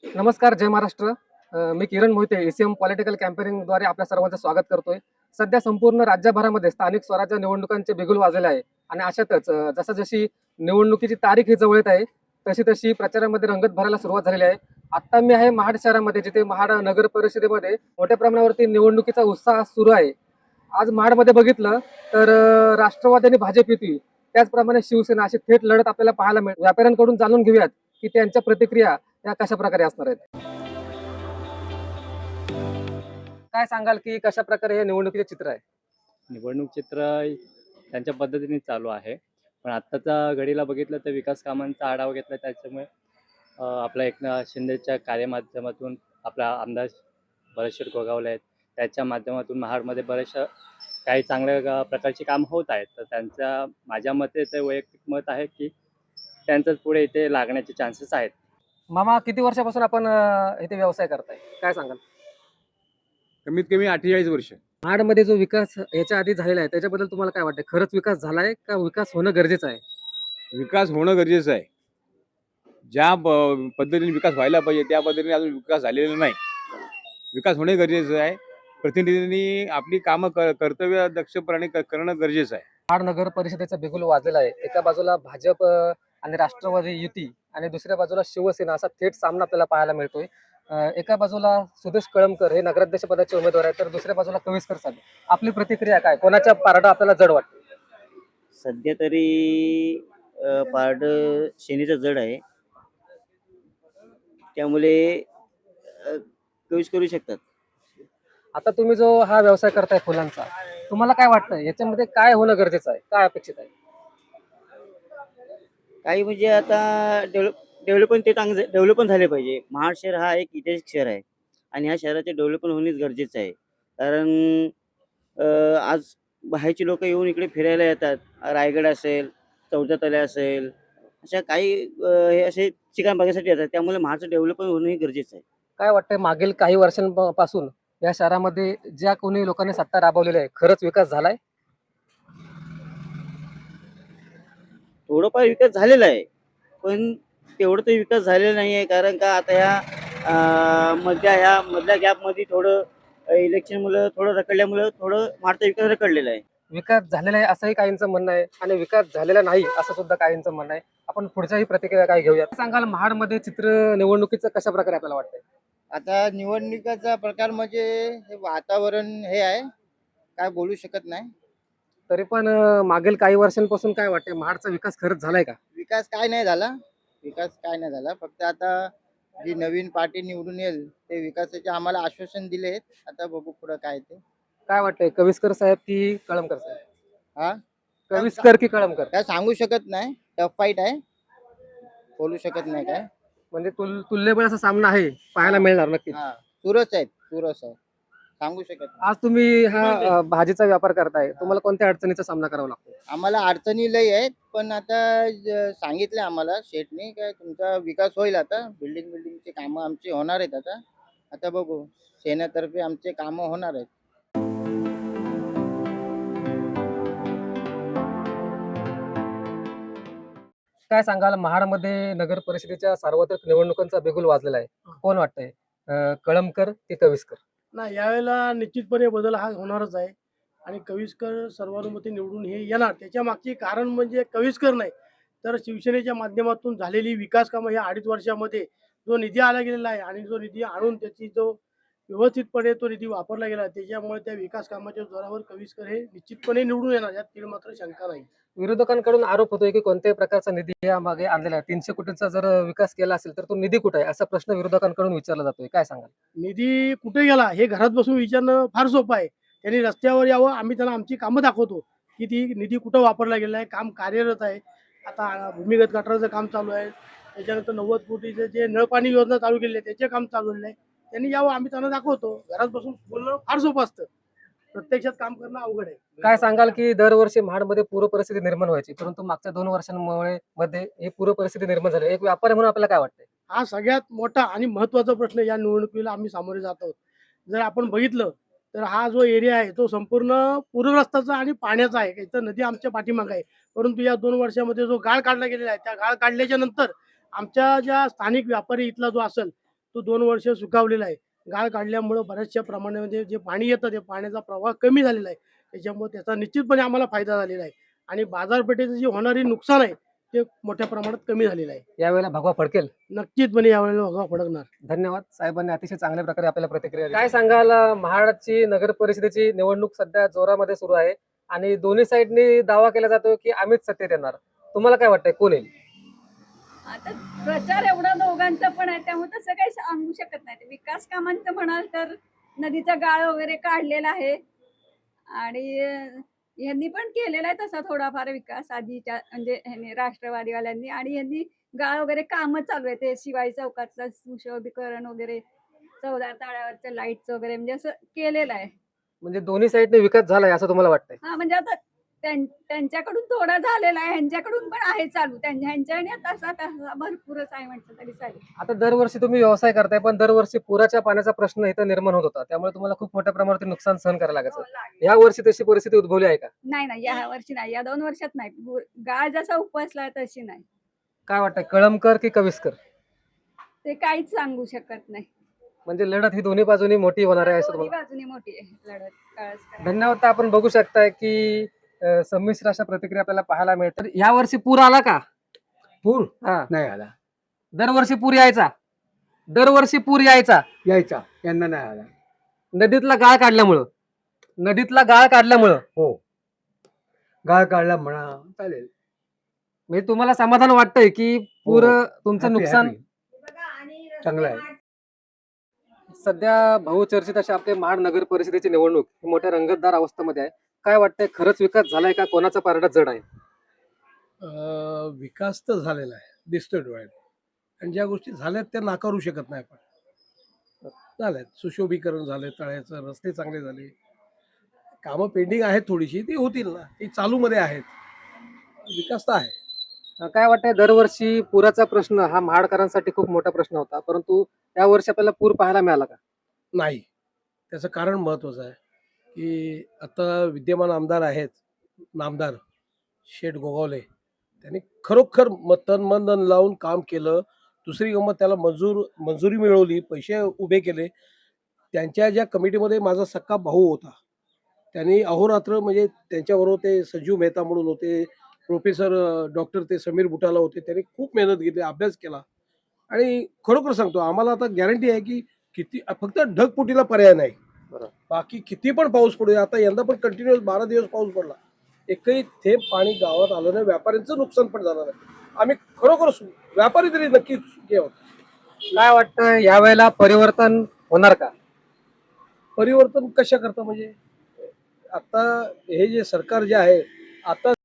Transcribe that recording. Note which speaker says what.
Speaker 1: नमस्कार, जय महाराष्ट्र. मी किरण मोहिते, एसीएम पॉलिटिकल कॅम्पेनिंगद्वारे आपल्या सर्वांचं स्वागत करतोय. सध्या संपूर्ण राज्यभरामध्ये स्थानिक स्वराज्य निवडणुकांचे बिगुल वाजले आहे आणि अशातच जशी निवडणुकीची तारीख ही जवळ येत आहे, तशी प्रचारामध्ये रंगत भरायला सुरुवात झालेली आहे. आता मी आहे महाड शहरामध्ये, जिथे महाड नगर परिषदेमध्ये मोठ्या प्रमाणावरती निवडणुकीचा उत्साह सुरू आहे. आज महाडमध्ये बघितलं तर राष्ट्रवादी आणि भाजप युती, त्याचप्रमाणे शिवसेना अशी थेट लढत आपल्याला पाहायला मिळेल. व्यापाऱ्यांकडून जाणून घेऊयात की त्यांच्या प्रतिक्रिया या कशा प्रकारे असणार आहेत. काय सांगाल की कशा प्रकारे हे निवडणुकीचे चित्र आहे?
Speaker 2: निवडणूक चित्र त्यांच्या पद्धतीने चालू आहे. पण आत्ताचा घडीला बघितलं तर विकास कामांचा आढावा घेतला त्याच्यामुळे आपल्या एकनाथ शिंदेच्या कार्यमाध्यमातून आपला आमदार बरेचसे गोगावले आहेत. त्याच्या माध्यमातून महाडमध्ये बरेचशा काही चांगल्या प्रकारची कामं होत आहेत. तर त्यांच्या माझ्या मते ते वैयक्तिक मत आहे की त्यांचंच पुढे इथे लागण्याचे चान्सेस आहेत.
Speaker 1: मामा, किती वर्षापासून आपण इथे व्यवसाय करताय, काय सांगाल?
Speaker 3: कमीत कमी 48 वर्ष.
Speaker 1: महाडमध्ये जो विकास याच्या आधी झालेला आहे त्याच्याबद्दल तुम्हाला काय वाटतं? खरंच विकास झालाय का विकास होणं गरजेचं आहे?
Speaker 3: विकास होणं गरजेचं आहे. ज्या पद्धतीने विकास व्हायला पाहिजे त्या पद्धतीने अजून विकास झालेला नाही. विकास होणे गरजेचं आहे. प्रतिनिधींनी आपली कामं कर्तव्य दक्षपणे करणं गरजेचं आहे.
Speaker 1: महाड नगर परिषदेचा बिगुल वाजलेला आहे. एका बाजूला भाजप आणि राष्ट्रवादी युती आणि दुसऱ्या बाजूला शिवसेना असा थेट सामना आपल्याला पाहायला मिळतोय. एका बाजूला सुदेश कळमकर हे नगराध्यक्ष पदाचे उमेदवार आहेत, तर दुसऱ्या बाजूला कविस्कर साहेब. आपली प्रतिक्रिया काय? कोणाच्या पारडं आपल्याला जड वाटतं?
Speaker 4: सध्या तरी पारड शेनीचं जड आहे. त्यामुळे कवीच करू शकतात.
Speaker 1: आता तुम्ही जो हा व्यवसाय करताय फुलांचा, तुम्हाला काय वाटतं याच्यामध्ये काय होणं गरजेचं आहे, काय अपेक्षित आहे?
Speaker 4: काही म्हणजे आता डेव्हलपमेंट ते चांगलं डेव्हलपमेंट झाले पाहिजे. महाड शहर हा एक ऐतिहासिक शहर आहे आणि ह्या शहराचे डेव्हलपमेंट होणेच गरजेचं आहे. कारण आज बाहेरची लोक येऊन इकडे फिरायला येतात. रायगड असेल, चौदा तले असेल, अशा काही हे असे ठिकाण बघायसाठी येतात. त्यामुळे महाडचं डेव्हलपमेंट होणंही गरजेचं आहे.
Speaker 1: काय वाटतंय मागील काही वर्षांपासून या शहरामध्ये ज्या कोणी लोकांनी सत्ता राबवलेली आहे, खरंच विकास झालाय?
Speaker 4: थोडंफार विकास झालेला आहे, पण तेवढं तर विकास झालेला नाही आहे. कारण का आता ह्या मधल्या गॅपमध्ये थोडं इलेक्शनमुळं थोडं रखडल्यामुळं थोडं महाडचा विकास रखडलेला आहे.
Speaker 1: विकास झालेला आहे असंही काहींचं म्हणणं आहे आणि विकास झालेला नाही असं सुद्धा काहींचं म्हणणं आहे. आपण पुढच्याही प्रतिक्रिया काय घेऊया. सांगाल महाडमध्ये चित्र निवडणुकीचं कशा प्रकारे आपल्याला वाटतंय?
Speaker 5: आता निवडणुकीचा प्रकार म्हणजे हे वातावरण हे आहे, काय बोलू शकत नाही.
Speaker 1: तरी पण मागील काही वर्षांपासून काय वाटतंय, महाडचा विकास खरंच झालाय का?
Speaker 5: विकास काय नाही झाला, विकास काय नाही झाला. फक्त आता जी नवीन पार्टी निवडून येईल ते विकासाचे आम्हाला आश्वासन दिले आहेत. आता बघू पुढं काय ते.
Speaker 1: काय वाटतंय, कविस्कर साहेब की कळमकर साहेब?
Speaker 5: हा,
Speaker 1: कविस्कर की कळमकर?
Speaker 5: काय सांगू शकत नाही, टफ फाईट आहे, बोलू शकत नाही काय.
Speaker 1: म्हणजे तुल्यबळ असा सामना आहे, पाहायला मिळणार नक्कीच.
Speaker 5: हा, चुरस आहेत, चुरस आहे, सांगू शकत नाही.
Speaker 1: आज तुम्ही हा भाजीचा व्यापार करताय, तुम्हाला कोणत्या अडचणीचा सामना करावा लागतो?
Speaker 5: आम्हाला अडचणी लई आहेत, पण आता सांगितलं आम्हाला शेठने काय तुमचा विकास होईल. आता बिल्डिंगचे कामं आमची होणार आहेत. आता आता बघू, सेनेतर्फे आमचे कामं होणार आहेत.
Speaker 1: काय सांगाल, महाडमध्ये नगर परिषदेच्या सार्वत्रिक निवडणुकांचा बिगुल वाजलेला आहे. कोण वाटतंय, कळमकर की कविस्कर?
Speaker 6: नाही, यावेळेला निश्चितपणे बदल हा होणारच आहे आणि कविस्कर सर्वानुमते निवडून हे येणार. त्याच्या मागचे कारण म्हणजे कविस्कर नाही, तर शिवसेनेच्या माध्यमातून झालेली विकास कामं ह्या 2.5 वर्षामध्ये जो निधी आला गेलेला आहे आणि जो निधी आणून त्याची जो व्यवस्थितपणे तो निधी वापरला गेला, त्याच्यामुळे त्या विकास कामाच्या जोरावर कविस्कर हे निश्चितपणे निवडून येणार, यात तीळ मात्र शंका नाही.
Speaker 1: विरोधकांकडून आरोप होतोय की कोणत्याही प्रकारचा निधी या मागे आणलेला आहे. 300 कोटींचा जर विकास केला असेल तर तो निधी कुठे आहे, असा प्रश्न विरोधकांकडून विचारला जातोय. काय सांगाल?
Speaker 6: निधी कुठे गेला हे घरात बसून विचारणं फार सोपं आहे. त्यांनी रस्त्यावर यावं, आम्ही त्यांना आमची कामं दाखवतो की ती निधी कुठं वापरला गेला आहे. काम कार्यरत आहे. आता भूमिगत गटाराचं काम चालू आहे. त्याच्यानंतर 90 कोटीचं जे नळपाणी योजना चालू केली आहे त्याचे काम चालू आहे. त्यांनी यावं, आम्ही त्यांना दाखवतो. घरात बसून बोलणं फार सोपं असतं, प्रत्यक्षात काम करणं अवघड आहे.
Speaker 1: काय सांगाल की दरवर्षी महाडमध्ये पूर परिस्थिती निर्माण व्हायची, परंतु मागच्या 2 वर्षांमुळे मध्ये ही पूर परिस्थिती निर्माण झाली. एक व्यापारी म्हणून आपल्याला काय वाटतंय?
Speaker 6: हा सगळ्यात मोठा आणि महत्त्वाचा प्रश्न या निवडणुकीला आम्ही सामोरे जात आहोत. जर आपण बघितलं तर हा जो एरिया आहे तो संपूर्ण पूरग्रस्ताचा आणि पाण्याचा आहे. इथं नदी आमच्या पाठीमागे आहे. परंतु या 2 वर्षामध्ये जो गाळ काढला गेलेला आहे, त्या गाळ काढल्याच्या नंतर आमच्या ज्या स्थानिक व्यापारी इथला जो असेल तो 2 वर्ष सुखावलेला आहे. गाळ काढल्यामुळं बऱ्याचशा प्रमाणामध्ये जे पाणी येतं, ते पाण्याचा प्रवाह कमी झालेला आहे. त्याच्यामुळे त्याचा निश्चितपणे आम्हाला फायदा झालेला आहे आणि बाजारपेठेचं जे होणारी नुकसान आहे, ते मोठ्या प्रमाणात कमी झालेलं आहे.
Speaker 1: यावेळेला भगवा फडकेल.
Speaker 6: नक्कीचपणे यावेळेला भगवा फडकणार.
Speaker 1: धन्यवाद. साहेबांनी अतिशय चांगल्या प्रकारे आपल्याला प्रतिक्रिया दिली. काय सांगाल, महाराष्ट्राची नगर परिषदेची निवडणूक सध्या जोरामध्ये सुरू आहे आणि दोन्ही साईडनी दावा केला जातो की आम्हीच सत्तेत येणार. तुम्हाला काय वाटतंय, कोण येईल?
Speaker 7: आता प्रचार एवढा दोघांचा पण आहे, त्यामुळे तसं काही सांगू शकत नाही. विकास कामांचं म्हणाल तर नदीचा गाळ वगैरे काढलेला आहे आणि यांनी पण केलेला आहे तसा थोडाफार विकास आधीच्या म्हणजे ह्यांनी राष्ट्रवादीवाल्यांनी, आणि यांनी गाळ वगैरे कामं चालू आहे. ते शिवाजी चौकातलं सुशोभीकरण वगैरे, चौदार तळ्यावरचं लाईटचं वगैरे म्हणजे असं केलेलं आहे.
Speaker 1: म्हणजे दोन्ही साईडने विकास झालाय असं तुम्हाला वाटतंय?
Speaker 7: हा म्हणजे आता त्यांच्याकडून थोडा झालेला आहे, ह्यांच्याकडून पण आहे चालू. ह्यांच्याने तसा तसा भरपूरच आहे म्हटलं तरी चालेल.
Speaker 1: आता दरवर्षी तुम्ही व्यवसाय करताय, पण दरवर्षी पुराच्या पाण्याचा प्रश्न इथं निर्माण होत होता, त्यामुळे तुम्हाला खूप मोठ्या प्रमाणात नुकसान सहन करायला
Speaker 7: हो,
Speaker 1: लागायचं.
Speaker 7: लागेल.
Speaker 1: या वर्षी तशी परिस्थिती उद्भवली आहे का?
Speaker 7: नाही, या वर्षी नाही, या 2 वर्षात नाही. गाळ जसा उपसला तशी नाही.
Speaker 1: काय वाटतंय, कळमकर की कविस्कर?
Speaker 7: ते काहीच सांगू शकत नाही.
Speaker 1: म्हणजे लढत ही दोन्ही बाजूनी मोठी होणार आहे असं
Speaker 7: दोन्ही
Speaker 1: तुम्हाला?
Speaker 7: बाजूनी मोठी आहे लढत. काळच
Speaker 1: धन्यवाद. तर आपण बघू शकताय की संमिश्र अशा प्रतिक्रिया आपल्याला पाहायला मिळतात. या वर्षी पूर आला का?
Speaker 8: पूर
Speaker 1: हा,
Speaker 8: नाही आला.
Speaker 1: दरवर्षी पूर यायचा. दरवर्षी पूर यायचा.
Speaker 8: यायचा, यांना नाही आला.
Speaker 1: नदीतला गाळ काढल्यामुळं. नदीतला गाळ काढल्यामुळं.
Speaker 8: हो, गाळ काढला म्हणा, चालेल.
Speaker 1: म्हणजे तुम्हाला समाधान वाटतंय की पूर
Speaker 8: हो.
Speaker 1: तुमचं
Speaker 8: Happy,
Speaker 1: नुकसान.
Speaker 8: happy. चांगलं आहे.
Speaker 1: सध्या बहुचर्चित अशा आपल्या महाड नगर परिषदेची निवडणूक ही मोठ्या रंगतदार अवस्थेमध्ये आहे. काय वाटतंय, खरंच विकास झालाय का, कोणाचा पारडा जड आहे?
Speaker 6: विकास तर झालेला आहे, दिसतोय डोळ्यात. आणि ज्या गोष्टी झाल्यात त्या नाकारू शकत नाही आपण. झाल्यात, सुशोभीकरण झाले, तळ्याचं रस्ते चांगले झाले. कामं पेंडिंग आहेत थोडीशी, ती होतील ना, ती चालूमध्ये आहेत. विकास तर आहे.
Speaker 1: काय वाटतंय, दरवर्षी पुराचा प्रश्न हा महाडकरांसाठी खूप मोठा प्रश्न होता, परंतु या वर्षी आपल्याला पूर पाहायला मिळाला का?
Speaker 6: नाही, त्याचं कारण महत्त्वाचं आहे की आता विद्यमान आमदार आहेत, नामदार शेठ गोगावले, त्यांनी खरोखर तन मन धन लावून काम केलं. दुसरी गंमत, त्याला मंजुरी मिळवली, पैसे उभे केले. त्यांच्या ज्या कमिटीमध्ये माझा सक्का भाऊ होता, त्यांनी अहोरात्र म्हणजे त्यांच्याबरोबर ते संजीव मेहता म्हणून होते, प्रोफेसर डॉक्टर ते समीर बुटाला होते. त्यांनी खूप मेहनत घेतली, अभ्यास केला आणि खरोखर सांगतो, आम्हाला आता गॅरंटी आहे की किती, फक्त ढगफुटीला पर्याय नाही.
Speaker 1: बरोबर.
Speaker 6: बाकी किती पण पाऊस पडू दे. आता यंदा पण कंटिन्युअस 12 दिवस पाऊस पडला, एकही थेंब पाणी गावात आलं नाही. व्यापाऱ्यांचं नुकसान पण झालं नाही. आम्ही खरोखर व्यापारी तरी नक्कीच सुखी आहोत.
Speaker 1: काय वाटतं, यावेळेला परिवर्तन होणार का?
Speaker 6: परिवर्तन कशा करता म्हणजे, आता हे जे सरकार जे आहे, आता